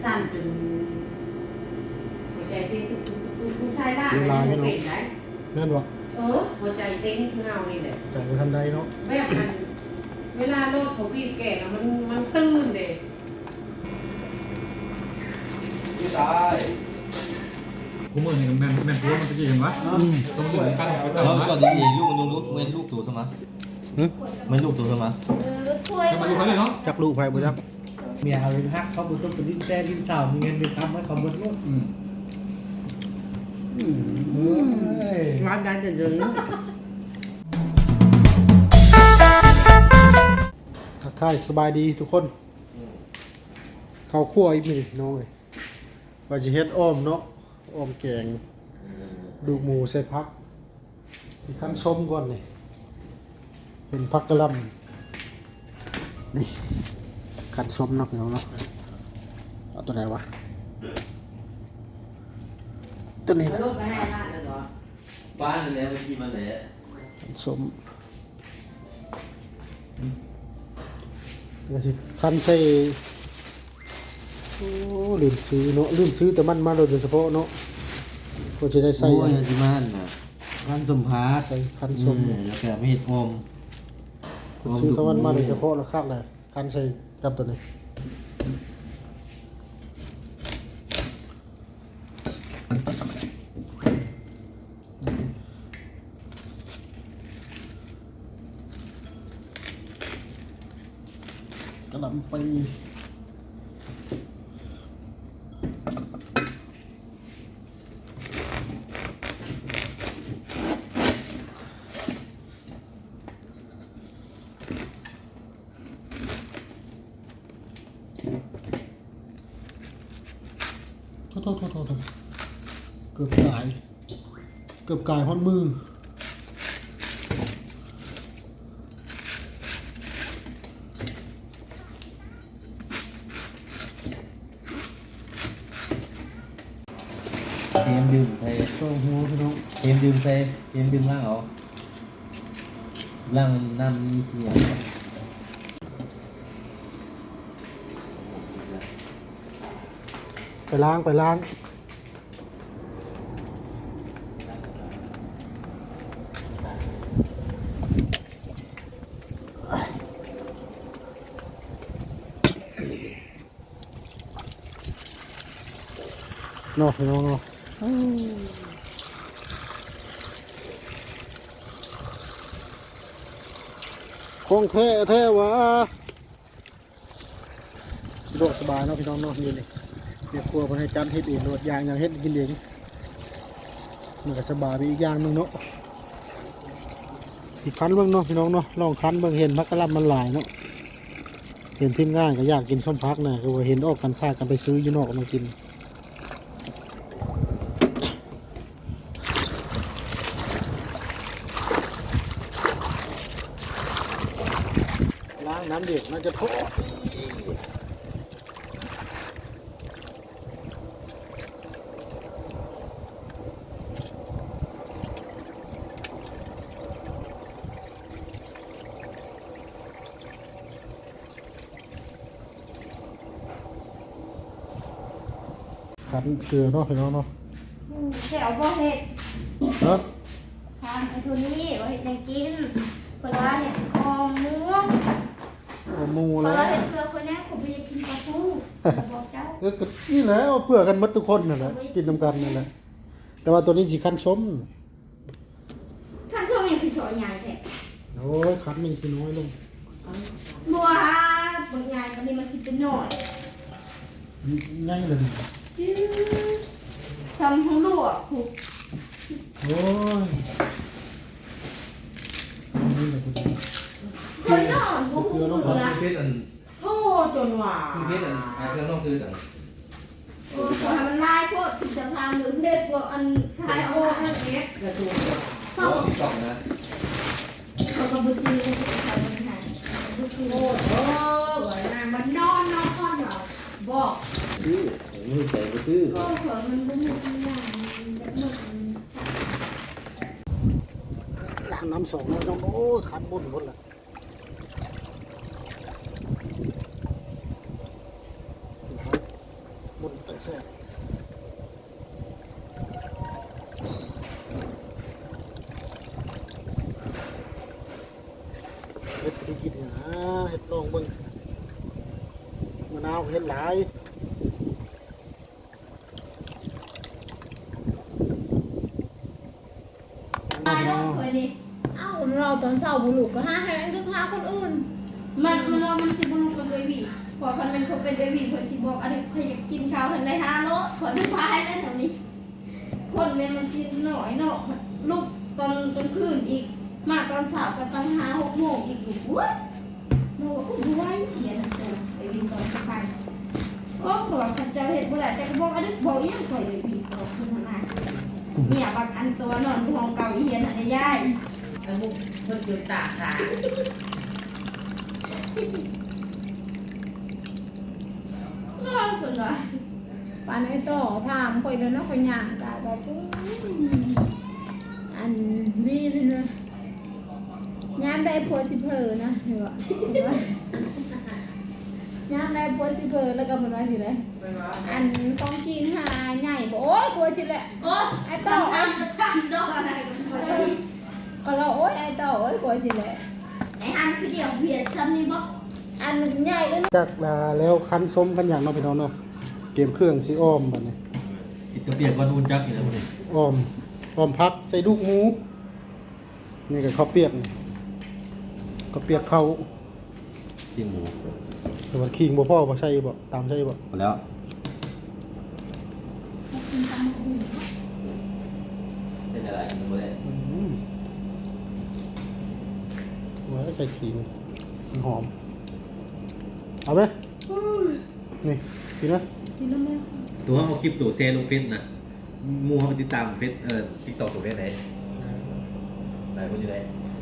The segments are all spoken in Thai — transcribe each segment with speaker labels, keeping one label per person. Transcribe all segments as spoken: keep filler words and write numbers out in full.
Speaker 1: สั่นจนหัวใจเต้นตุกตุกผู้ชายได้ไม่เป็นไร
Speaker 2: แม่นบ่
Speaker 1: เออหัวใจเต้นคือเอานี่แหละ
Speaker 2: ใจบ่ทันใดเนาะ
Speaker 1: แบบมันเวลารถเขาพี่แก่มันมันตื่นเด้
Speaker 3: พี่ชาย
Speaker 4: ผมเห็นแม่แม่ตัวมันตะกี้เห็นไหมต้องอยู่กัน
Speaker 3: แล้วก่อนดีลูกมันดูลูกเว้นลูกตัวใช่ไหมเว้นลูกตัวใช่ไหม
Speaker 4: จะมาดูเขาเลยเนาะ
Speaker 2: จักลูกไผบ่จัก
Speaker 5: เมียเอาไปฮักเขาบุต้องไปดิ้นแซ่ดิ้นสาวมีเงินไปทำให้เขาเบิดลูก
Speaker 4: อืม
Speaker 1: งานการจะเจอ
Speaker 2: ทักทายสบายดีทุกคนข้าวคั่วอีกมื้อน้องเอ้ยว่าสิเฮ็ดอ้อมเนาะอ้อมแกงดูหมูใส่ผักสิคั่นส้มก่อนนี่เป็นผักกะหล่ำนี่คั่นส้มเนาะพี่น้องเนาะเอาตัวไหนวะตัวนี้นะ
Speaker 1: รถไปให้บ้านเลยเหรอ
Speaker 3: บ้านเนี่ยเมื่อกี้มันไหน
Speaker 2: คั่นส้มเดี๋ยวสิคั่นใส่โอ้ลืมซื้อเนาะลืมซื้อแต่มันมาโดยเฉพาะเนาะก็จะได้ใส่
Speaker 3: โอ้ยที่บ้านน่ะคันสมพัส
Speaker 2: ใส่คันส้ม
Speaker 3: แล้วก็มีดอม
Speaker 2: ซื้อตะวันมาโดยเฉพาะแล้วข้างเลยคันใส่กับตัวนี้กระหล่ำปีโทษโทษโทษโทษเกือบกายเกือบกายฮอนมือ
Speaker 3: เตรียมดื่มใส่
Speaker 2: โซ่หัวพี่น้อง
Speaker 3: เตรียมดื่มใส่เตรียมดื่มล่างเอาล่างน้ำมีเขียว
Speaker 2: ไปล้างไปล้างเนาะพี่น้องเนาะคงแท้แท้วะโดดสบายเนาะพี่น้องเนาะยืนเลยเดี๋ยวครัวคนให้จันเฮ็ดเองโดดยางอย่างเฮ็ดกินเองมันก็สบายไปอีกอย่างหนึงเนาะอีกคันเบิ่งเนาะพี่น้องเนาะลองคันเบิ่งเห็นพักกะลำมันหลายเนาะเห็นทีมงานก็อยากกินส้มพักนะก็ว่าเห็นออกกันค่ากันไปซื้ออยู่นอกมากินล้างน้ำเด็กมันจะโทษขันเกลือเนาะพี่น้องเนาะ
Speaker 6: แถวบ่เห็ด
Speaker 2: เนาะ
Speaker 6: ทานไอ้ตัวนี้บ่เห็ดยังกินเวลาเห็ดคอหมู
Speaker 2: เอาหมู
Speaker 6: เว
Speaker 2: แล้ว
Speaker 6: ลาเห็ดเปลือกคนนี้ผมไปกินปลาทูบอกเจ้า
Speaker 2: เออก็นี่แหละเอาเปลือกกันหมดทุกคนนั่นแหละกินน้ำกันนั่นแหละแต่ว่าตัวนี้สิคันส้ม
Speaker 6: ท่านชอบยังคือสอนใหญ่แท้
Speaker 2: โอ้ยคันมันสิน้อยลง
Speaker 6: บัวบางอย่างตอนนี้มันสิเป็นหน่อย
Speaker 2: ง่ายเลย
Speaker 6: ทำทั้งลูกผูก
Speaker 2: โอ้ยนี่แหละคุณ
Speaker 6: คนนอนผูกผูกนะ
Speaker 3: เพชรอัน
Speaker 1: โอ้จนว่า
Speaker 3: เพชรอันอาจจะต้องซื้อจัง
Speaker 6: โอ้ขอให้มันลายโพดจะทำหรือเด็ดกว่าอันคลาย
Speaker 1: โอ้
Speaker 6: โอ้
Speaker 1: นั่นเองกระตูน
Speaker 3: โอ้ที่กล่องนะ
Speaker 6: เขาก็บุจีเลยเขาเป็นไงบุจี
Speaker 1: โอ้โหมันนอนนอนเหรอบอก
Speaker 3: ซื้อมือใส่ไปซื้อ
Speaker 6: ก็เผื่อมันบุ้มบุ้มอย่างแบบหมด
Speaker 2: ล้างน้ำสองแล้วต้องโอ้คันหมดหมดเลยมุนแต่แซ่บเฮ็ดไปกินนะเฮ็ดลองเบิ่งมะนาวเฮ็ดหลาย
Speaker 6: ตายแล้วเคยดิ
Speaker 7: เอ้าเราตอนเช้าบุรุษก็ห้าให้เรื่องหาคนอื่น
Speaker 6: มันมันว่ามันสิบ่รู้กับเบบีพอคันเป็นคนเป็นเบบีเพิ่นสิบอกอันนี้เพิ่นอยากกินข้าวเพิ่นได้หาโลเพิ่นพายได้แถวนี้คนแม่มันสิน้อยเนาะลูกตอนกลางคืนอีกมาตอนเช้าก็ตั้งห้าหกโมงอีกอยู่อุ๊ยโน่ก็ดูไว้เดี๋ยวนะโตไปวินตอนสบายโอ้บอกคันเจ้าเฮ็ดบ่ได้แต่ก็บอกอันนี้บอกอีหยังข่อยเลยพี่บอกคือทางนั้นเนี่ยบักอันตัวนอนอยู่ห้องเก่าอีเฮียนอันนี้ยาย
Speaker 1: แล้วมุกเพิ่นจุดตากขา
Speaker 6: นอนเพิ่นว่า
Speaker 7: ปานไอ้ต่อถามข่อยแล้วเนาะข่อยย่างตายบอกปุ๊อันวีเลยนะยามได้ผัวสิเพอนะเห็นบ่ยามได้ผัวสิเพอแล้วก็มันว่าสิเลย
Speaker 1: เป็นว่า
Speaker 7: อันต้องกินหาใหญ่บ่โอ้ยกลัวจิแหละ
Speaker 6: โอ้ไอ้ต่อไอ้ต่อดอกอะไรกันบ่ได้
Speaker 7: ก็เราโอ้ยไอ้ต่อโอ้ยกลัวจิแหละ
Speaker 6: ไอ้อันคือเดียวเบียดซ้ำนี่บ่
Speaker 7: อันใหญ่เลย
Speaker 2: จากลาแล้วคั้นส้มกันอย่างเนาะพี่น้องเนาะเตรียมเครื่องสิอ้อมบัดนี้
Speaker 3: อิตาเปียกก็นูนจักอีกแล้วนี่
Speaker 2: อ้อมอ้อมพักใส่ลูกหมูนี่ก็ข้าวเปียกนี่ข้าวเปียกเข้า
Speaker 3: กินหมู
Speaker 2: แต่ว่าขิงบ่พ่อบ่ใช่บ่ตามใช่บ่
Speaker 3: หมดแล้วเป็นอะไรหมดแล้ว
Speaker 2: อืมว่าใส่ขิงมันหอมเอาไหมนี่กินไหม
Speaker 7: กินแล้วแม่
Speaker 3: ตัวเขาคลิปตัวแชร์ลงเฟซนะมูเขาไปติดตามเฟซเอ่อติ๊กต็อกตัวเฟซไหนไหนคนอยู่ไหน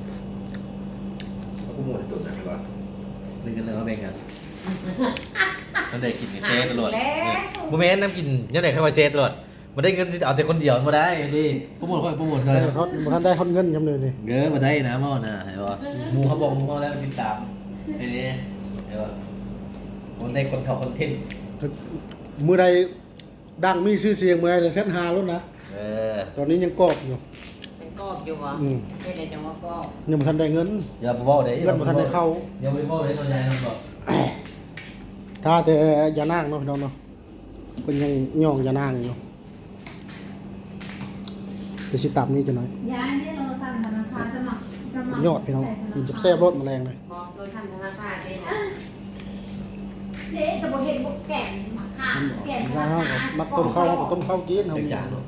Speaker 3: เขาก็มูในตัวนะครับว่าเล่นกันแล้วแบ่งกันนั่นได้กินกับแชร์ตลอดโมเมนต์น้ำกินยังไงเข้ามาแชร์ตลอดมาได้เงินเอาแต่คนเดียวมาได้ดิโปรโมทค่อยโปรโมทเล
Speaker 2: ได้
Speaker 3: ย
Speaker 2: ทอดบ่ทันได้ทอดเงินจำเลยนี่
Speaker 3: เงอมาได้นะม่อนะเห็นป่ะมูเขาบอกมูเขาแล้วติดตามไอ้นี่เห็นป่ะคนได้คนทอคอนเทนต์
Speaker 2: มื้อใดดังมีชื่อเสียงมื้อใดจะเซ็ตหาแล้วนะ
Speaker 3: เออ
Speaker 2: ตอนนี้ยังกรอบอยู่
Speaker 1: เป็นกอบอยู่วะ
Speaker 2: อืม
Speaker 1: ไม่ได้จังว่ากอบ
Speaker 2: ยังบ่ทันได้เงิน
Speaker 3: อย่าไปบอกเด้
Speaker 2: เงินบ่ทันได้เข้า
Speaker 3: อย่าไปบอกเด้ตัวใหญ่นะบอก
Speaker 2: ถ้าแต่อย่านางเนาะพี่น้องเนาะเพิ่นยังย่องอย่านางอยู่จะสิตับนี้จะหน่อย
Speaker 7: ยายที่เราสั่งธนาคารจะมาจะมาย
Speaker 2: อดพี่น้องกินจับแซ่บรสแมลงเลย
Speaker 1: บอกโดยทำธนาคารได้นะ
Speaker 7: เจ๊จะบอกเห็นบอกแก่นมาค่ะแก่นธ
Speaker 2: นะ
Speaker 7: นา
Speaker 2: ฮะ
Speaker 7: คาร
Speaker 2: มักต้มข้าวก็ต้มข้าวกินเฮา
Speaker 3: จังจานเนาะ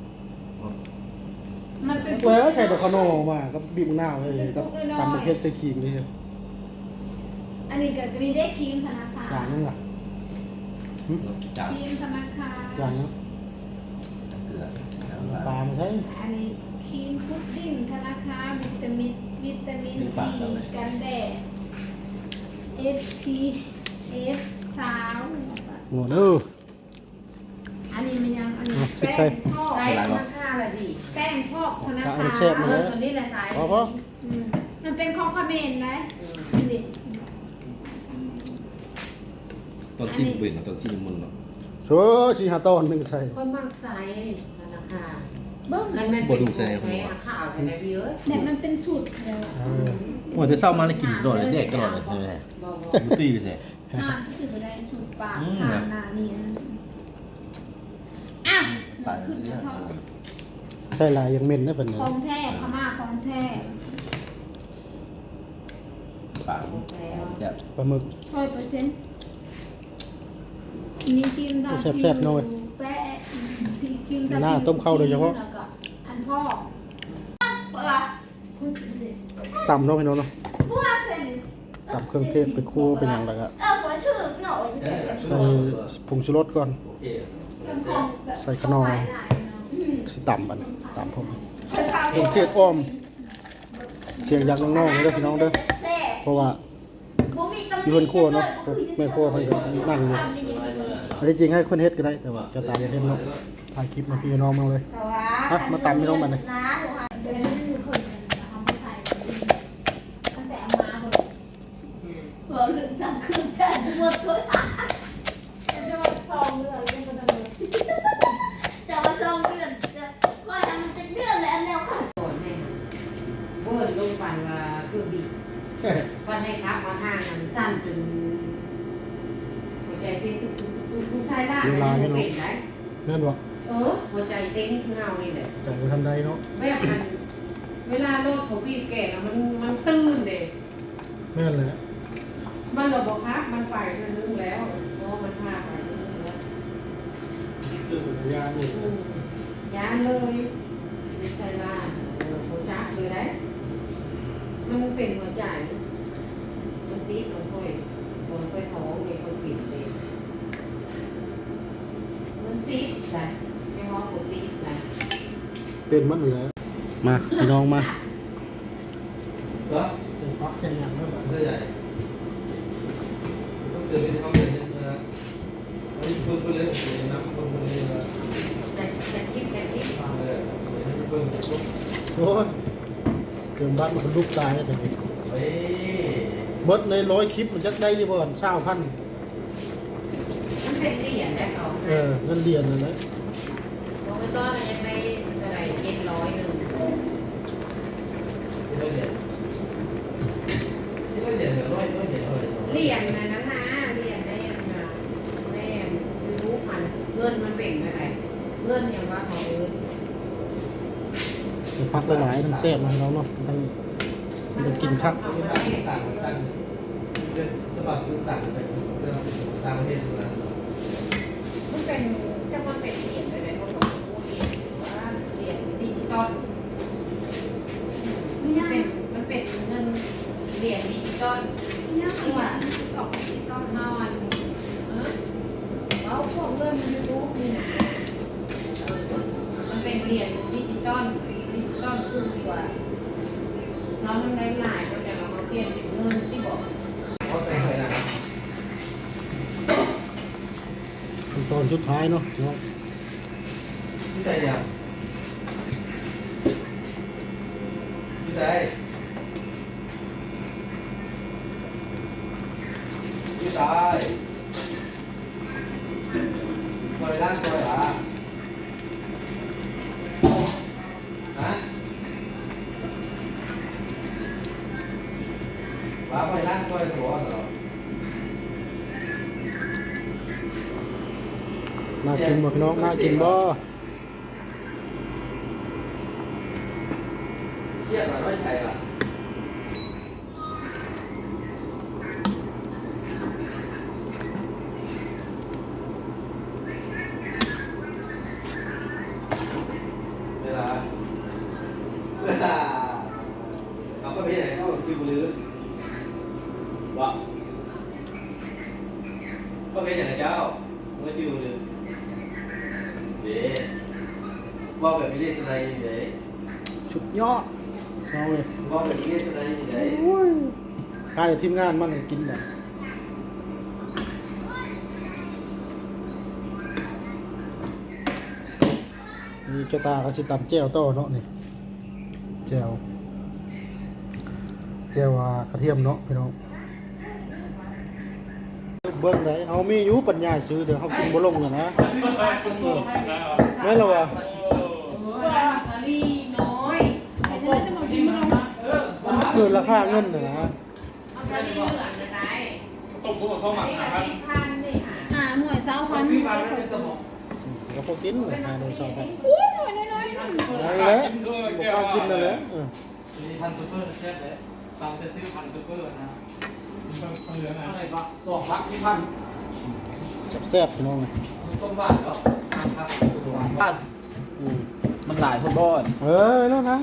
Speaker 7: มันเป็น
Speaker 2: เว้ยใส่ดอกขนมมากับบีบมะนาวเลยกับตำมะเขือใส่ขิงเลย
Speaker 7: อันนี้ก็กรีได้ครีมธนาคาร
Speaker 2: อย่างนึงล่ะ
Speaker 3: จาน
Speaker 7: ครีมธนาคาร
Speaker 2: อย่างนึง
Speaker 3: เกลือ
Speaker 2: ปลาไม่ใช่
Speaker 7: อันนี้ครีมพุดดิ้งธนาคารวิตามินวิตามินซีกันแดด เอฟ พี เอฟ สาม
Speaker 2: โอ้เด้อ
Speaker 7: อันนี้มันยังอันนี้
Speaker 2: อ่ะสิ
Speaker 7: แป้
Speaker 2: ใช่
Speaker 7: งทอด
Speaker 1: ใช้ธนาคารละดี
Speaker 7: แป้งทอดธนา
Speaker 2: ถ้า
Speaker 7: คา
Speaker 2: อัน
Speaker 7: ร
Speaker 2: แซ่บ
Speaker 1: เอ
Speaker 2: มา
Speaker 1: อ
Speaker 2: แล้ว
Speaker 1: ตัวนี้แหละสาย
Speaker 2: พอพอ
Speaker 7: อืมมันเป็นของคอมเขมนต์ไหมนี่
Speaker 3: ตอนที่เบื่อตอนที่มันเนาะ
Speaker 2: โชชิฮาตอนหนึงใส่
Speaker 1: คนมักใส่ธนาคาร
Speaker 7: เบิ้ง
Speaker 1: มันเป็นเป็นใช้ข่าวอะไรพี่เอ้ย
Speaker 7: แต่มันเป็นสูตรแล้ว
Speaker 2: เออ
Speaker 3: ว่าจะเศร้ามาแล้วกินตลอดเลยเด็กตลอดเลยใช่ไหม
Speaker 1: บอก
Speaker 3: มูตี้ไปสิ
Speaker 7: ห้ามสื่อได้สูตรปาก
Speaker 3: อืม
Speaker 7: ผ่านหน้านี่นะอ้าวขึ้นมาทอด
Speaker 2: ใส่ลายยังเหม็นได้เพิ่น
Speaker 7: ข
Speaker 2: น่ะ
Speaker 7: องแท้พม่าของแท้
Speaker 3: ปากจะ
Speaker 2: ปลาหมึก
Speaker 7: ร้อยเปอร์เซ็นต์มีครีมทา
Speaker 2: แซ่บๆหน่อย
Speaker 7: แปะมีครีมทา
Speaker 2: หน้าต้มข้าวโดยเฉพาะ
Speaker 7: แล้วก็อันพ่อ
Speaker 6: เปิด
Speaker 2: ตำเนาะพี่น้องเนาะ
Speaker 6: ผู้ว่าเซ็น
Speaker 2: ตำเครื่องเทศไปคั่วเป็นอย่างไรก็
Speaker 6: เออหัวชื่อหน่อย
Speaker 2: ใส่ผงชูรสก่อน
Speaker 3: โอเค
Speaker 7: เป็นของแบบ
Speaker 2: ใส่ขนม
Speaker 7: หลายๆเนาะ
Speaker 2: สิตำบัดนี้ตำผมเครื่องเทศอ้อม เสียงจากน้องๆเลยเด้อพี่น้องเด้อเพราะว่าอยู่บนครัวเนาะแม่ครัวเพิ่นก็นั่งอยู่อันที่จริงให้คนเฮ็ดก็ได้แต่ว่าจะตามเฮ็ดเนาะถ่ายคลิปมาพี่น้องมาเลย ฮะมาตำพี่น้องมาเลย
Speaker 6: นะถูกค่ะ
Speaker 7: เดี๋ยวนี้ไม่รู้คนทำไม่ใส่ตั้งแต่เอามาคน
Speaker 6: เปิดลืมจังคืนจังหมดทุกอ่ะ
Speaker 7: จะโดนซองเรือเรื่อง
Speaker 1: สั่นจนหัวใจเต้นตุ๊กตุ๊กตุ๊กตุ๊กชายล่าเนี่ยมันเป็นได้
Speaker 2: แม่นบ่
Speaker 1: เออหัวใจเต้นคือเงานี่แหละ
Speaker 2: ใจบ่ทันใดเนาะ
Speaker 1: แบบมันเวลารถเขาบีบแก่แล้วมันมันตื้นเด็
Speaker 2: แม่นเลย
Speaker 1: มันระบบพักมันไปเรื่อยนึงแล้วเพราะมันพาไปเรื่อยแล้ว
Speaker 2: ตื่นยานนี่
Speaker 1: อืมยานเลยไม่ใช่ล่าเออหัวใจเลยได้มันเป็นหัวใจมันตีมันค่อยมันค่อยท้องเนี่ยมันปิดเลยมันซีดใช่ไม่ว่าปกตินะ
Speaker 2: เป็นมันอยู่แล้วมาพี่น้องมา
Speaker 3: เหรอ
Speaker 2: เส้นพักเส้นหยังแล้วบ่
Speaker 3: เสื้อใหญ่ต้องเดินไปที่ห้องเรียนนะไอ้เพิ่มไปเลยเดี๋ยวนะเพิ่มไปเลยนะ
Speaker 1: แต่แต่คิดแต่คิดก่อน
Speaker 3: เออเพิ่ม
Speaker 2: โอ้ยเกินบัตรมันก็ลุกตายแล้วแต่นี่
Speaker 3: เฮ้ย
Speaker 2: เบิดในร้อยคลิปมันจักได้อยู่บ่อนเช้าพัน
Speaker 1: มันเป็นเหรียญได้เขา
Speaker 2: เออเงินเรียนนั่นแหละ
Speaker 1: โอ้ยต้อนยังได้อะไรเจ็ดร้อยหนึ่ง
Speaker 3: ที่เราเรียนที่เราเรียนเดี๋ยวร้อยร้อยเจ็ดร้อย
Speaker 1: เหรียญนะนั้นนะเหรียญได้ยังไงแม่รู้มันเงินมันเป็นอะไรเงินอย่างว่าเขาเอิ้น
Speaker 2: เส้นพักหลายๆทั้งแซ่บนะพี่น้องเนาะทั้งมันกินคัก
Speaker 1: เอา
Speaker 3: ต่าง
Speaker 1: ไป
Speaker 3: ต่างต่างเป็นสมัครต่างไปต่างประเทศนะ
Speaker 1: มันเป็นจะมันเป็นเหรียญอะไรเขาบอกว่าเหรียญว่าเหรียญดิจิตอล
Speaker 7: ไม่
Speaker 1: มัน
Speaker 7: ยาก
Speaker 1: เป็นมันเป็นเงินเหรียญดิจิตอล
Speaker 7: ไม่ยาก
Speaker 1: ที่ว่าออกดิจิตอลนอนเออเอาพวกเงินยูทูบนี่นะเออมันเป็นเหรียญดิจิตอลดิจิตอลคือกว่าเรามันได้หลายก็จะเอามาเปลี่ยนเป็นเงินที่บอก
Speaker 3: เขาใส่ไปนะ
Speaker 2: ขั้นตอนสุดท้ายเนาะพี่น้อง
Speaker 3: พี่ใส่เนี่ยพี่ใส่พี่ใส่ซอยล่างซอยหรอฮะว่าไปล่างซอยหัวเหรอ
Speaker 2: น่ากินบ่พี่น้องน่ากินบ่
Speaker 3: เชี่ยหน่อยไม่ใช่หรอเวลาเวลาเราก็ไม่ใช่เขาคิวลือวะก็เป็นอย่างไรเจ้าเมื่อคิวลือเดี๋ยวว่าแบบไม่เรียกสไนอยู่ไหน
Speaker 2: สุดยอดเอาเลย
Speaker 3: ว่าแบบไม่เรียกสไนอยู่ไหน
Speaker 2: โอ้ยใครทีมงานมันกินแบบนี่เจ้าตาเขาสิตำแจ่วโต้เนาะนี่แจ่วแจ่วอ่ากระเทียมเนาะพี่น้องเบิ่งได้เฮามีอยู่ปัญญาซื้อเดี๋ยวเฮากินบ่ลงกันนะเออแม่นแล้วว่ะ
Speaker 1: โอ้ยสาลีน้อย
Speaker 7: แต่จะได้จะมากินมั้ง
Speaker 2: มันเกินราคาเงินน่ะนะ
Speaker 1: เอาสาลีเหลืองนะได้
Speaker 4: ต้มกุ้งกับข้าวหมั
Speaker 1: อั
Speaker 4: ก
Speaker 1: นนี้
Speaker 4: นะ
Speaker 1: ก็
Speaker 4: ครับ
Speaker 1: สิบพันนี่ค่ะ
Speaker 7: อ่าหน่วยเศร้าพัน
Speaker 3: ซื้อมาไม่ได้สมอง
Speaker 2: ก็พอกินเลยหาโดยสองพัน
Speaker 7: อุ้ยหน่วยน้อยๆนึง
Speaker 2: นั่นแหละบ่กล้ากินนั่นแหละเออ
Speaker 5: มีพันซูเปอร์แซ่บเลยฟังจะซื้อพันซูเปอร์นะ
Speaker 4: ต้องเหลือนะ
Speaker 5: อะไรปะสองพักที่พัน
Speaker 2: แซ่บๆพี่น้องเลย
Speaker 5: ต้มบ้านเหรอบ้าน
Speaker 2: อืม
Speaker 5: มันหลายคนบ้าน
Speaker 2: เออแล้วนะ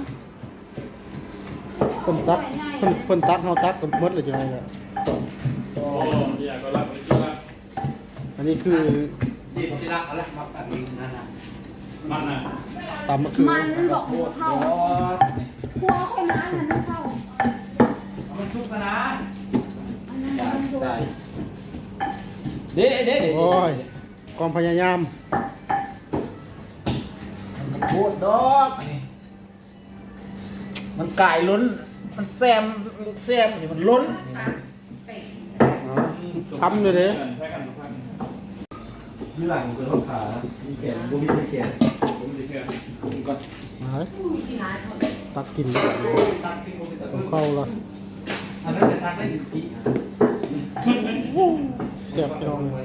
Speaker 2: เพิ่นตักเพิ่นเพิ่นตักเฮาตักกันหมดเลยจังได๋ล่ะ
Speaker 4: โอ้ยก็รับไปกินละ
Speaker 2: อันนี้คือ
Speaker 5: จีบศิลาอะไรมาตัดนั่นนะ
Speaker 4: มันอ่ะ
Speaker 2: ตำมะเขือ
Speaker 7: มันบอกหัวเข้าหัวคนนั้นน่ะไม่เข้า
Speaker 5: มันชุบกันนะ
Speaker 7: อันนั้นมันโดน
Speaker 5: เด็ดเด็ด
Speaker 2: โอ้ยความพยายาม
Speaker 5: มันโคตรดอกมันไก่ล้นมันแซมแซมมันล้น
Speaker 1: เตะ
Speaker 2: ซ้ำเลยเด้
Speaker 4: ใช้กันทุกท่าน
Speaker 3: มีหลังคือห้องขามีแขนกูมีแขน
Speaker 4: ผมดีแค่
Speaker 5: ก่อน
Speaker 2: มาเฮ้ย
Speaker 1: มีที่ร้านเขา
Speaker 2: ตักกิน
Speaker 3: ซักที่กูมีแต่
Speaker 2: เอาเข้าละ
Speaker 3: อันนั้นจะซักได้กี่ปี
Speaker 2: เสียบพี่น้องเลย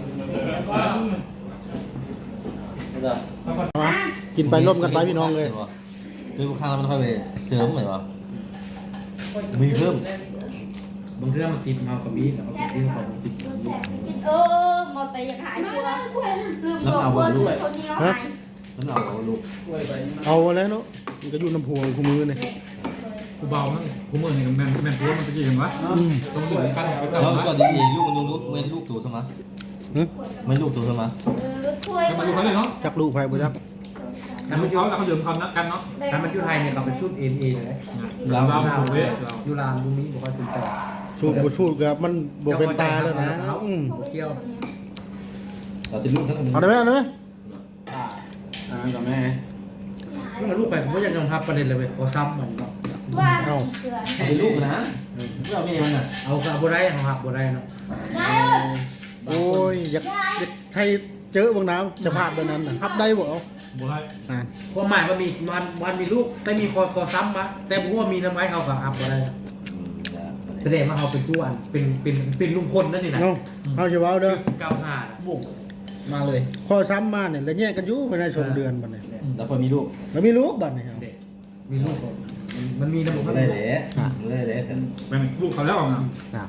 Speaker 3: ไม่ได้
Speaker 2: มากินไปร่วมกันไปพี่น้องเลย
Speaker 3: คือข้างแล้วมันค่อยไปเสริมเหมือนว่ามีเพิ่ม
Speaker 5: บางเรื่องมันติดมากับมีแล้วก็ติดของติด
Speaker 6: เออมอแต่อยากหายตัวลืมบอกว่าซื้อคนเดียวหาย
Speaker 3: แล้วเอาลูก
Speaker 2: เอาแล้วเนาะมันก็อยู่น้ำพวงคู่มือเนี่ย
Speaker 4: กูเบามั้งกูมือเห็นแม่แม่ตัวมันตะกี้เห็นวะ
Speaker 2: อืม
Speaker 4: ต้องดึงกันไป
Speaker 3: แล้
Speaker 4: ต่อ
Speaker 3: ว
Speaker 4: นะ
Speaker 3: ก็ดีลูกมันลูกเว้นลูกตู่ใช่ไหม
Speaker 2: หึ
Speaker 3: ไม่ลูกตู่ใช่ไหม
Speaker 6: เออช่วย
Speaker 4: ให้มาดูเขาเลยเนาะ
Speaker 2: จักลูกไผ่บ่จัก
Speaker 4: ทำเขาแล้วเขาเดิมคำนักกันเนาะ
Speaker 5: ถ้ามันอยู่ไทยเนี่ยเขาเป็นชุดเอ็นเอเลย
Speaker 4: เราเราเราเว้ยเรา
Speaker 5: อยู่ลานบุ้งนี้บอกว่าชุดแต่
Speaker 2: ชูดบ่ชูดก็มันบ่เป็นตาแล้วนะอืม
Speaker 5: เที่ยว
Speaker 3: เราติดลูกทั้งนั้น
Speaker 2: เอาได้ไหมเอาได้ไหม
Speaker 5: อ่ากับแม่เมื่อลูกไปผมก็ยังยอมรับประเด็นเลยเว้ยขอซ้ำมันเนาะ
Speaker 6: ว่าเกลือ
Speaker 3: ติดลูกนะเราไม่มันอ่ะ
Speaker 5: เอากับบัได้เอาหักบัได้เนาะ
Speaker 6: ได้เอ้ย
Speaker 2: โอ้ยอยากอยากใครเจอบางน้ำจะพาดแบบนั้นน่ะทับได้บ่เอา
Speaker 4: บัวไร
Speaker 2: อ่า
Speaker 5: ความหมายว่ามีมันมันมีลูกแต่มีคอคอซ้ำมาแต่ผมว่ามีน้ำไม้เขากับอับบัได้แสดงว่าเขาเป็นผู้อันเป็นเป็นเป็นลุงพลนั่นนี่นะ
Speaker 2: เนาะเอาสิเว้าเด้อ
Speaker 5: เก้าห้าบุกมาเลย
Speaker 2: ข้อซ้ำมาเนี่ยแล้วแยกกันอยู่ภายในสองเดือนบัดนี้
Speaker 3: แล้วคนมีลูก
Speaker 2: แล้วมีลูกบัดนี้ครับ
Speaker 5: เด็กมีลูกคนมันมีระบบ
Speaker 3: ไม่ได้เลยไม่ได้เลย
Speaker 4: แม่ลูกเขาแล้วนะ
Speaker 2: อ่ะ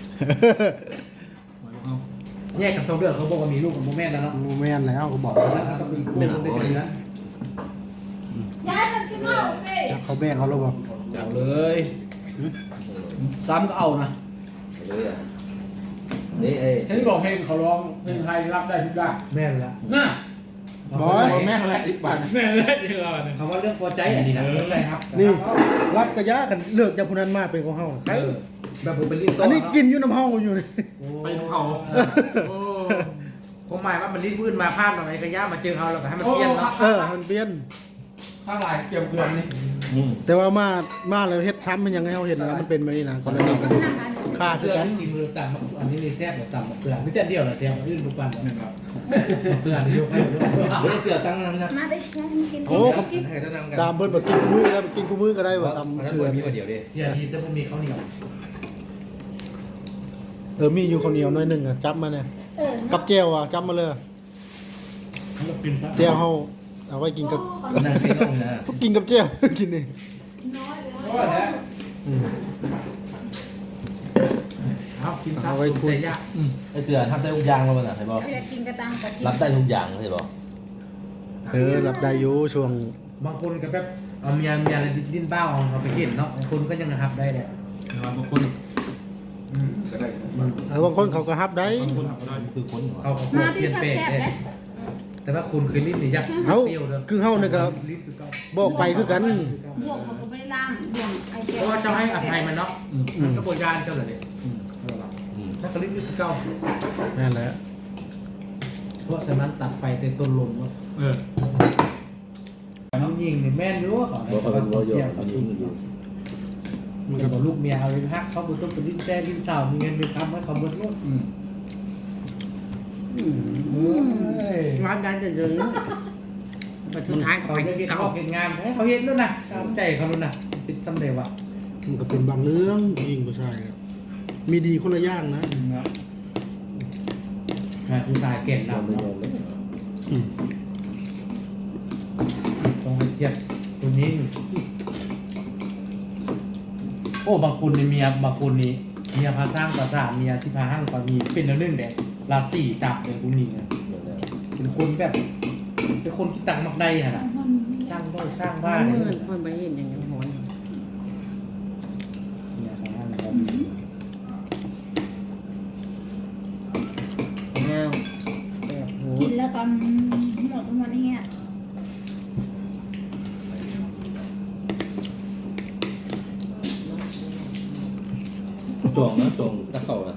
Speaker 5: แยกกับสองเดือนเขาบอกว่ามีลูกกับโมแม่แล้วเนาะ
Speaker 2: โมแม่นแล้วก็บอก
Speaker 5: แล้วก็ต้องมีคู่ลงด้วยกันนะ
Speaker 6: ย้ายมันกินเหล้าเอ้ย
Speaker 2: จักเขาแบ่งเขาแล้วบ่
Speaker 5: เอาเลยซ้ำก็เอานะ
Speaker 3: นี่ไอ้
Speaker 8: ฉันบอกเพลงเขาร้องเพลงไทยรับได้ทุกด้าน
Speaker 5: แม่นละ
Speaker 8: น่ะ
Speaker 2: บอย
Speaker 8: แม่อะไรอีกบาทแม่อะไรอีกบาท
Speaker 5: คำว่าเรื่องพอใจอันนี้นะเข้าใจครับ
Speaker 2: นี่รับกระยะกันเลือกจากผู้นั้นมาเป็นของเฮาใคร
Speaker 5: เออแบบผมเป็นลิ้นโต
Speaker 2: อันนี้กินอยู่น้ำเฮาอยู่นี่
Speaker 4: ไปของเขาโอ้
Speaker 5: ผมหมายว่ามันลิ้นพื้นมาพลาดมาไหนกระยะมาเจอเขาแล้วก็ให้มันเปลี่ยนเนาะ
Speaker 2: เออมันเปลี่ยน
Speaker 8: ข้างหลายเตรียมเกลือนี่
Speaker 2: แต่ว่ามามาแล้วเฮ็ดซ้ำมันยังไงเฮาเห็นแล้วมันเป็นแบบนี้นะกรณีกันค่าคื
Speaker 5: เสื้
Speaker 2: อ
Speaker 5: อ
Speaker 2: กัน
Speaker 5: ที่สีมือต่างอันนี้เลยแซ่บกว่าต่ำกว่าเกลือไม่แต่เดียวละแซ่บอื่นทุกวัน
Speaker 8: นี่ครับ
Speaker 5: เกลือนี่ยกให้ยก
Speaker 3: ไม่ได้เสือตั้งนะนะ
Speaker 7: มาได้ฉันกิน
Speaker 2: โอ้
Speaker 3: ให้ตั้งกัน
Speaker 2: ตามเพิ่นบ่กินคู่มือแล้วกินคู่มือก็ได้ว่าตาม
Speaker 3: เก
Speaker 2: เก
Speaker 3: ลื
Speaker 2: ลื
Speaker 3: อ
Speaker 2: อ
Speaker 3: มีมาเดียวดิ
Speaker 5: เสียดีแต่ผมมีข้าวเหนียว
Speaker 2: เออมีอยู่ข้าวเหนียวหน่อยหนึงอ่ะจับมาเนี่ย
Speaker 7: เออ
Speaker 2: กับแจ่วอ่ะจับมาเลย
Speaker 4: กินซะ
Speaker 2: แจ่วเฮาเอาไว้กินกับ
Speaker 3: นั่งไม่ต้องนะ
Speaker 2: กินกับแจ่ว กินนี่
Speaker 8: ก็แท้
Speaker 2: อืม
Speaker 5: เอากินซะใจยาก
Speaker 3: ไอ้เสือทำได้ทุกอย่างมาบ้างใช่ป่ะ
Speaker 7: อยากกินกระตังกะทิ
Speaker 3: รับได้ทุกอย่างใช่ป่ะ
Speaker 2: เออรับได้อยู่ช่วง
Speaker 5: บางคนก็แบบเอาเมียเมียอะไรดิ้นบ้าของเขาไปกินเนาะบางคนก็ยังนะครับได้แหละ
Speaker 4: บางคน
Speaker 8: ก็ได้
Speaker 2: เออบางคนเขาก็รับได้
Speaker 4: บางคนทำได้
Speaker 3: คือคนเหรอ
Speaker 5: เขาเขา
Speaker 7: มา
Speaker 5: เป
Speaker 7: ที่
Speaker 5: ลี่ยน
Speaker 7: แซ่
Speaker 5: เป๊ะ
Speaker 7: บๆ
Speaker 5: ได้
Speaker 7: เลย
Speaker 5: แต่ว่าคุณเคยลิ้นหรือยัง
Speaker 2: เอ้า
Speaker 5: เปรี้ยวเด้อ
Speaker 2: คือเฮาเนี่ยก็
Speaker 5: ลิ้นคือเก่า
Speaker 2: บอกไปคือกัน
Speaker 7: บวกเขาก็ไม่ได้ล่างบวกไอเดี
Speaker 5: เพ
Speaker 7: ย
Speaker 5: ราะว่าเจ้าให้อภัยมันเนาะ
Speaker 2: อืม
Speaker 5: มันก็โบยานเจ้าเลยเนี่ย
Speaker 3: อืม
Speaker 5: ถ้าก็ลิ้นคือเก่า
Speaker 2: นั่นแหละ
Speaker 5: เพราะฉะนั้นตัดไฟแต่ต้นลมเนาะ
Speaker 4: เออ
Speaker 5: น้องยิงเนี่ยแม่นรู้เขา
Speaker 3: บอกเขาเป็นวอลโยอันนี้มันอยู่
Speaker 2: มัน
Speaker 5: กั
Speaker 2: ก็
Speaker 5: บลูกเมียเอาลิ้นฮักเขาบุต้องเป็นลิ้นแซ่ลิ้นสาวมีเงินมีคำให้เขาเบิดลูก
Speaker 8: อืม
Speaker 5: งานการจะเจอปัจจุบันเขาเห็นเขาเห็นงานให้เขาเห็นด้วยนะตามใจเขาด้วยนะคิดสำเร็จว่ะ
Speaker 2: มันก็เป็นบางเรื่องยิงผู้ชายครับมีดีคนละอย่างนะ
Speaker 5: งานผู้ชายเก่ง
Speaker 3: ยอม
Speaker 5: นำ
Speaker 3: ไม่ย
Speaker 5: เนาะ
Speaker 3: อมเลย
Speaker 2: อืม
Speaker 5: ต้องให้เทียบตัวนี้โอ้บางคนในเมียบางคนนี้เมียพาสร้างภาษาเมียที่พาห้างก็มีเป็นแล้วนึ่งเด็กราศีตับเลยพวกนี้นะเป็นคนแบบเป็นคนที่ตังมักได้ขนาดสร้างด้วยสร้างบ้าน
Speaker 1: เมื่
Speaker 5: เนี่
Speaker 1: อย คนไปเห็นอย่างนี้โหย
Speaker 5: เมียพาห้างก็มี
Speaker 1: อ้าวแบบโห
Speaker 7: กินแล้วก็หมดมันเนี่ย
Speaker 3: จองนะจองตะเข่านะ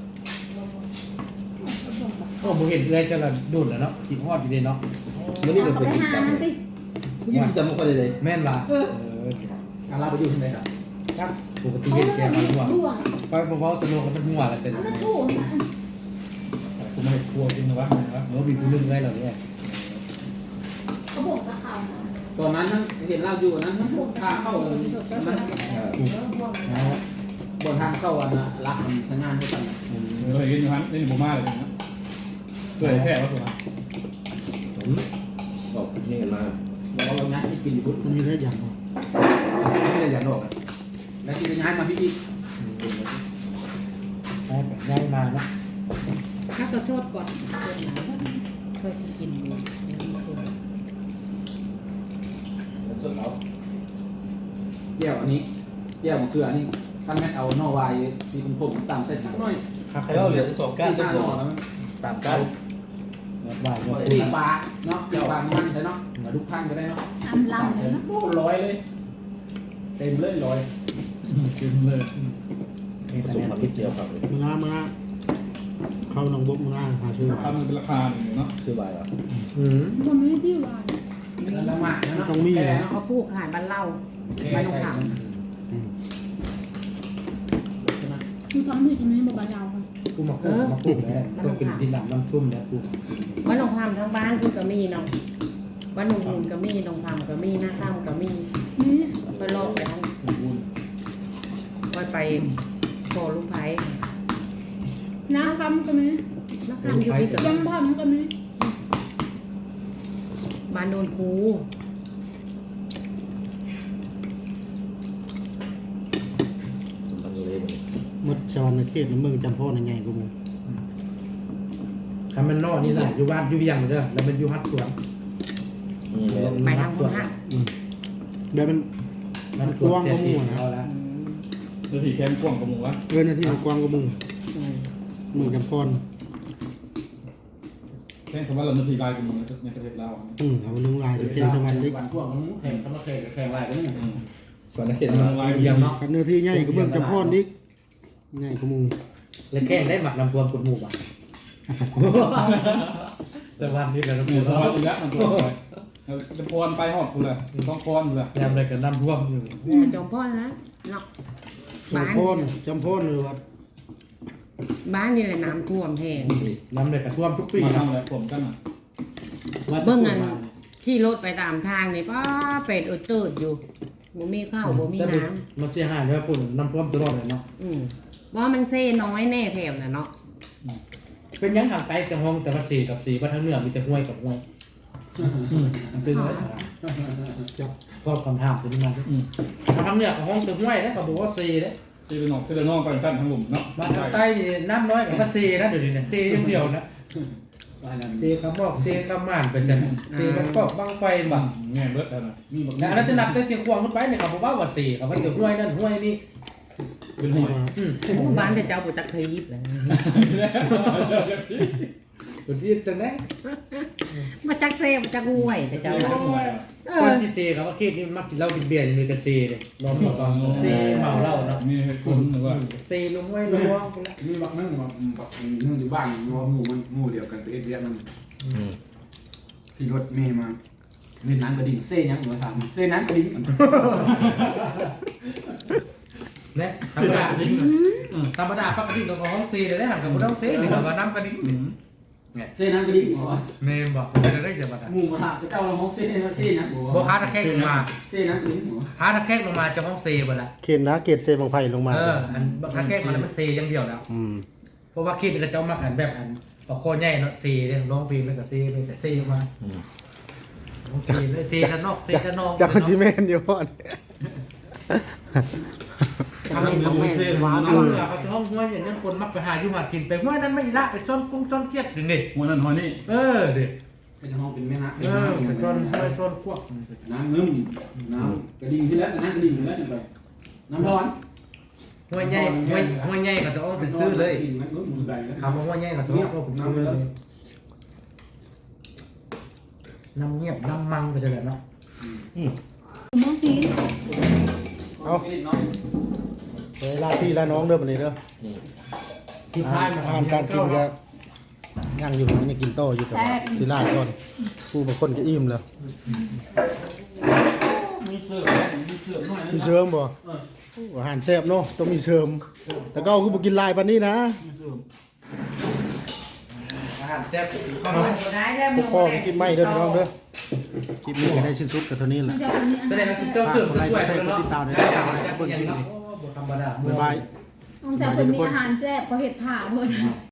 Speaker 5: โอ้ผมเห็นเอื้อยจะละดุนแล้วเนาะกินฮอดอยู่เดเนาะ
Speaker 3: แล้วนี่ก็
Speaker 7: เขา
Speaker 3: เป็น
Speaker 7: ไป
Speaker 3: กิจ
Speaker 7: หาก
Speaker 3: รรม
Speaker 7: มันติ
Speaker 3: ผู้หญิงจำไม่ค่อยได้เลย
Speaker 5: แม่นว่ะเออ
Speaker 8: อาราไปอยู่ที่ไหนครับ
Speaker 5: ครับปกติเห็นแกมาหัว
Speaker 7: ร่วง
Speaker 5: ไปเบาๆตะโลกันเป็นหัวแล้วแต่
Speaker 7: มันถูก
Speaker 8: ผมไม่ครัวจริงนะวะนะ
Speaker 5: เออมีผู้นึงเลยเหรอเนี่ย
Speaker 7: เขาบอกตะเขา
Speaker 8: ตอนนั้นเห็นเราอยู่นั้นพวกข้าเข้าเลยมัน
Speaker 5: นะ
Speaker 9: บนทางเข้าอันน่ะรักมันสัญญาณด้วยกัน
Speaker 8: เคยกินอยู่ฮันนี่ผมมาเลยนะเคยแพ้ก็ถูกนะ
Speaker 3: บอกนี่กันมา
Speaker 9: แล้วเราย้ายที่กินอยู่
Speaker 2: มันมีได้อย่างบ่
Speaker 3: ไม่ได้ยันหรอกนะ
Speaker 9: แล้วที่จะย้ายมาพี่อีก
Speaker 5: ได้แบบง่ายมาเนาะ
Speaker 1: ถ้าก็โซดก่อนโซดหนาค่อยสิกินดู
Speaker 3: ส่วนเรา
Speaker 9: แก้วอันนี้แก้วมะเขืออันนี้ขั้นแม่เอาหน่อวายสีคมๆตามเส้นหน่อย
Speaker 5: ครับ
Speaker 3: ใครเอาเหลือสองก้าน
Speaker 9: สี่ห้าหน่อแล้ว
Speaker 3: สามก้าน
Speaker 5: หวานหวาน
Speaker 9: ตีปลาเนาะตีปลามันใช่เนาะมาทุกท่านก็ได้เนาะ
Speaker 7: อำลำเลยเนาะ
Speaker 9: โอ้ร้อยเลย เต็มเลยร้อย
Speaker 8: กินเลย
Speaker 3: ผสมมันนิดเดียวครับ
Speaker 2: มึงอ่ะมึงอ่ะเข้าหนองบกมึงอ่ะหาชื่อ
Speaker 8: ทำมันเป็นราคาหนึ่งเนาะ
Speaker 3: ชื่อใบเหรอ
Speaker 5: อืม
Speaker 7: บ่มีที่ว่า
Speaker 9: แล้วละหมาดนะเนาะ
Speaker 2: ต้องมี
Speaker 9: แค่
Speaker 2: เหรอ
Speaker 9: เนาะ
Speaker 1: เขาปลูกขายบ้านเล่า
Speaker 9: บ้านลงขาม
Speaker 2: อืม
Speaker 7: คือท้องที่กินนี้บ่บาดาวค่ะ
Speaker 5: กูมาปลูกมาปลูกแล้วก็กินดินหลังน้ำซุ่มแล้วกู
Speaker 1: บ้านหนองพามทั้งบ้านคุณก็มีเนาะบ้านหนองมูลก็มีหนองพามก็มีหน้าข้ามก็มี
Speaker 7: นี่
Speaker 1: ไปลอกไปทั้ง
Speaker 8: สมบูรณ์
Speaker 1: ไปไปโคลูกไผ่
Speaker 7: น้ำคำก็มี
Speaker 1: หน้าข้ามอยู่ที่กับ
Speaker 7: ยำพัมก็มี
Speaker 1: บ้านโดนคู
Speaker 3: สมบัติเลยมัน
Speaker 2: หมดชาวในเขตในเมืองจำพ่อในไงกูมึง
Speaker 5: ทำมันนอกนี่แหละอยู่บ้านอยู่เวียงเด้อแล้วมันอยู่ฮัดสวน
Speaker 3: อืม
Speaker 1: ไปทางพุทธะ
Speaker 2: แบบมัน
Speaker 5: มัน
Speaker 2: กว้างกว่าหมู่นะ
Speaker 5: เอาละ
Speaker 8: แล้วที่แคมป์กว้างกับหมูวะ
Speaker 2: เออหนาที่มันกว้างกว่ามึง
Speaker 1: อืม
Speaker 2: มึงจำพ่อน
Speaker 8: แค่คำว่าเราเนื้อทีลายกับหมูในประเทศเรา
Speaker 2: อืมเอาลุงลายเกณฑ์สวรรค์ดิ
Speaker 9: วันพวกมันแข่งสมัครแข่งแข่งอะไรกันเนี่ย
Speaker 3: ส่วนนักเขียน
Speaker 8: เนื้
Speaker 3: มา
Speaker 8: อลาย
Speaker 5: เวียงเนาะ
Speaker 2: กันเนื้อที่ใหญ่ก็เมืองจำพ่อนดิใหญ่กว่ามึง
Speaker 5: แล้วแกงได้หมักน้ำท่วมกดหมู่ป่ะสวัสดีแล้ว
Speaker 8: หมูสบายอยู่แล้วมันตัวไปจะพรไปหอบกูเลยต้องพรกูเลย
Speaker 5: ยามอะไรกับน้ำท่วมอยู่
Speaker 1: เนี่ยจงพ่อนะเนาะ
Speaker 2: จำพ่อนจำพ่อนเลยครับ
Speaker 1: บ้านนี่แหละน้ำท่วมแห้ง
Speaker 5: น้ำเลยกับท่วมทุกปี
Speaker 8: มา
Speaker 5: นะ
Speaker 8: ทำอะไรผมกันอ่ะ
Speaker 1: เบิ่งอันที่รถไปตามทางนี่ป้าเป็ดอุดตืดอยู่บ่มีข้าวบ่มีน้ำ
Speaker 5: มันเสียหายด้วยฝุ่นน้ำท่วมตลอดเลยเนาะ
Speaker 1: อืมว่ามันเซ่น้อยแน่แถวน่ะเนาะ
Speaker 5: เป็นยังทางใต้แต่ห้องแต่ว่าสีกับสีว่าทางเหนือมีแต่ห้วยกับห้วยมันเป็นอะไรจับก็คำถามเป็นยังไงทางเหนือกับห้องแต่ห้วยแล้วก็บอกว่าสีเลย
Speaker 8: ซีเรนอกซีเรนอกไปสั้นทั้งหลุมเนาะ
Speaker 5: บ้านทางใต้นี่น้ำน้อยกับว่าสีนะเดี๋ยวนี้เนี่ยสีอย่างเดียวนะสีคำบอกสีคำม่านเป็นจังสีมันก็บังไฟบัง
Speaker 8: แง่เบิร์ดนะมีแบบ
Speaker 5: แต่อันนั้นจะนับแต่เสียงควงขึ้นไปเนี่ยเขาบอกว่าว่าสีเขาว่าเดี๋ยวห้วยนั่นห้วยนี่
Speaker 8: เป็นหวย
Speaker 5: อืม
Speaker 1: บ้านแต่เจ้าบ่จักเคยยิบเลย
Speaker 5: ตัวที่จังได้
Speaker 1: มาจักเซ่บ่จักห้วยแต่เจ้าว่าเอ
Speaker 5: คน
Speaker 1: อ
Speaker 5: ที่เซครับว่าเคสนี้มักกินเหล้ากินเบียร์นี่มีแต่เซเลยล้อมหมดก่อนเซเมาเหล้าเนาะ
Speaker 8: มีคนหรือว่า
Speaker 5: เซลงห้วยล้วง
Speaker 9: มีบักนั่งบักบักนั่งอยู่บ้านว่าหมู่มันหมู่เดียวกันไปเอ็ดเวียดมันที่รถเมย์มาเล่นน้ำกระดิ่งเซ่ยังหัวถามเซ่น้ำกระดิ่ง
Speaker 5: เนี่ยธรรมดาธรรมดาปกติเราก็ห้องเซเลยได้หันกับเราเซหนึ่งเราน้ำกระดิ่ง
Speaker 9: เซ่น้ำกระดิ่งหัว
Speaker 5: เนมบอกจะได้จะมากัน
Speaker 9: หมู่มาถามเจ้าเราห้องเซ่เซ่นะหัว
Speaker 5: โบคาตะแคกลงมา
Speaker 9: เซ่น้ำกระดิ่งหัว
Speaker 5: คาตะแคกลงมาจะห้องเซหมดละ
Speaker 2: เขตนะเขตเซบังไผ่ลงมา
Speaker 5: เอออันตะแคกมาแล้วมันเซอย่างเดียวแล้ว
Speaker 2: อืม
Speaker 5: เพราะว่าคิดเราจะมาอันแบบอันก็โคใหญ่เนาะเซเนี่ยร้องเพลงแล้วก็เซไปแต่เซมาเซเลยเซกันนอกเซกันนอก
Speaker 2: จากจิเมนอยู่ก่อน
Speaker 1: ทำให้น้องแม่ว้าว
Speaker 5: เอาล่ะเขาจะห้องห้วยอย่างนั้นคนมักไปหาอยู่หากินไปห้วยนั้นไม่ละไปซ่อนกุ้งซ่อนเกียดถึงนี่
Speaker 8: หัวนั่นหัวนี่
Speaker 5: เออเด็ก
Speaker 9: เป็นห้องเป็นแม่น้ำ
Speaker 5: เออไปซ่อนห้วยซ่อนพวก
Speaker 9: น้ำเงิมน้ำกระดิ่งที่แล้วน้ำกระดิ่งที่แล้วจะไปน้ำร้อน
Speaker 5: ห้วยใหญ่ห้วยห้วยใหญ่ก็จะเอาไปซื้อเลย
Speaker 9: มันก็มือใดแล้ว
Speaker 5: คำว่าห้วยใหญ่ก็จะเอาไปซื้อเลยน้ำเงียบน้ำมังก็จะแบบเนาะ
Speaker 7: บางที
Speaker 2: เอาเวลาพี่และน้องเด้อบัดนี้เด้อ
Speaker 5: ที่ท้ายมา
Speaker 2: อาหารการกินก็ย่างอยู่มันยังกินโตอยู่แต่ว่าสิลาดก่อนผู้บางคนก็อิ่มแล้ว
Speaker 9: มีเสือมีเสือหน่อย
Speaker 2: มีเสริมบ่อาหารแซ่บเนาะต้องมีเสริมแต่ก็คือบ่กินหลายปานนี้นะ
Speaker 5: อาหารแซ่บ
Speaker 1: ก็ได้แล้ว
Speaker 2: พวกพ่อก็กินไม่เด้อพี่น้องเด้อคลิปนี้ก็ได้สิ้นสุดกับเท่านี้แห
Speaker 7: มั
Speaker 2: ละ
Speaker 7: นจะอันนี้อัน
Speaker 5: แสดง
Speaker 7: นี้
Speaker 5: ว่าเจ้าเสื่อมช่วยกันเนาะ
Speaker 2: ติดตามได้
Speaker 5: ได้ข่าวแล้วเป็นอย่างเนาะธรรมดา
Speaker 2: บ๊ายบาย
Speaker 7: ต้องจากเพิ่นมีอาหารแซ่บเขาเฮ็ดถ่าเพิ่น